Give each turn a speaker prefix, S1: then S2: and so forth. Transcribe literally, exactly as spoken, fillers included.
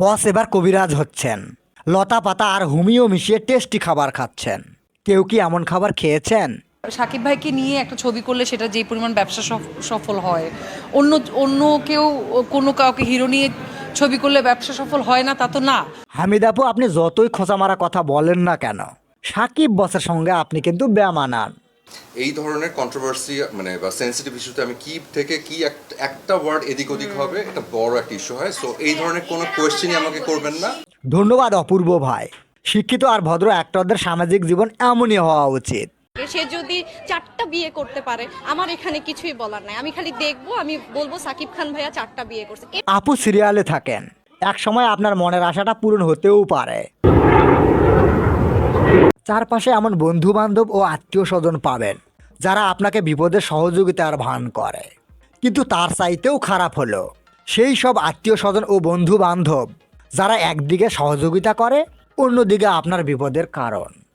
S1: বস এবার কবিরাজ হচ্ছেন, লতা পাতা আর হুমিও মিশিয়ে টেস্টি খাবার খাচ্ছেন। কেউ কি এমন খাবার খেয়েছেন?
S2: সাকিব ভাইকে নিয়ে একটা ছবি করলে সেটা যে পরিমাণ ব্যবসা সফ- সফল হয়, অন্য অন্য কেউ কোনো কাউকে হিরো নিয়ে ছবি করলে ব্যবসা সফল হয় না তা তো না।
S1: হামিদ আপু, আপনি যতই খোঁচা মারা কথা বলেন না কেন, সাকিব বসের সঙ্গে আপনি কিন্তু বেমানান।
S3: এই ধরনের কন্ট্রোভার্সি মানে বা সেন্সিটিভ ইস্যুতে আমি কি থেকে কি এক- একটা ওয়ার্ড এদিক ওদিক হবে এটা বড় একটা ইস্যু হয়। সো এই ধরনের কোনো কোয়েশ্চেনই আমাকে করবেন না।
S1: ধন্যবাদ অপূর্ব ভাই। শিক্ষিত আর ভদ্র অ্যাক্টরদের সামাজিক জীবন এমনই হওয়া উচিত।
S4: সে যদি চারটা বিয়ে করতে পারে আমার এখানে কিছুই বলার নাই, আমি খালি দেখবো, আমি বলবো সাকিব খান ভাইয়া চারটা বিয়ে করছে।
S1: আপু সিরিয়ালে থাকেন, এক সময় আপনার মনের আশাটা পূরণ হতেও পারে। চারপাশে এমন বন্ধু বান্ধব ও আত্মীয় স্বজন পাবেন যারা আপনাকে বিপদে সহযোগিতার ভান করে। কিন্তু তার চাইতেও খারাপ হলো সেই সব আত্মীয় স্বজন ও বন্ধু বান্ধব যারা একদিকে সহযোগিতা করে, অন্যদিকে আপনার বিপদের কারণ।